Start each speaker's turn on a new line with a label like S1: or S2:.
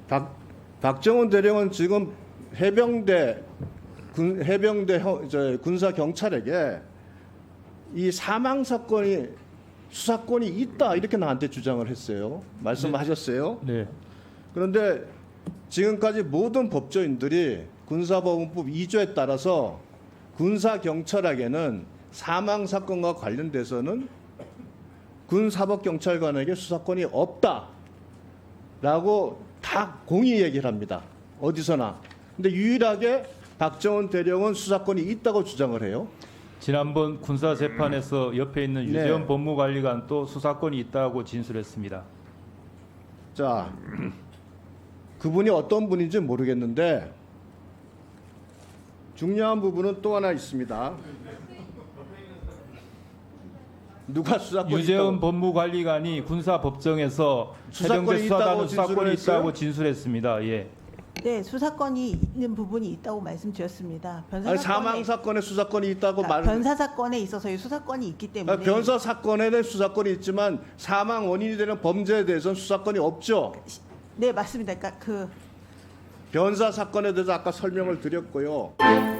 S1: 박정훈 대령은 지금 해병대 군사 경찰에게 이 사망 사건이 수사권이 있다 이렇게 나한테 주장을 했어요. 말씀하셨어요.
S2: 네.
S1: 그런데 지금까지 모든 법조인들이 군사법원법 2조에 따라서 군사 경찰에게는 사망 사건과 관련돼서는 군사법경찰관에게 수사권이 없다라고 다 공의 얘기를 합니다. 어디서나. 근데 유일하게 박정훈 대령은 수사권이 있다고 주장을 해요.
S2: 지난번 군사 재판에서 옆에 있는
S1: 네.
S2: 유재원 법무관리관도 수사권이 있다고 진술했습니다.
S1: 자, 그분이 어떤 분인지 모르겠는데 중요한 부분은 또 하나 있습니다. 누가 수사권이
S2: 유재원
S1: 있다고?
S2: 법무관리관이 군사법정에서
S1: 수사권이
S2: 해병대 수사단은
S1: 있다고
S2: 수사권이
S1: 진술을
S2: 있다고 진술했습니다. 예.
S3: 네, 수사권이 있는 부분이 있다고 말씀드렸습니다. 변사
S1: 아니,
S3: 사건에,
S1: 사망 사건에 수사권이 있다고 말.
S3: 변사 사건에 있어서의 수사권이 있기 때문에
S1: 변사 사건에는 수사권이 있지만 사망 원인이 되는 범죄에 대해서는 수사권이 없죠.
S3: 네, 맞습니다. 그러니까 그
S1: 변사 사건에 대해서 아까 설명을 드렸고요.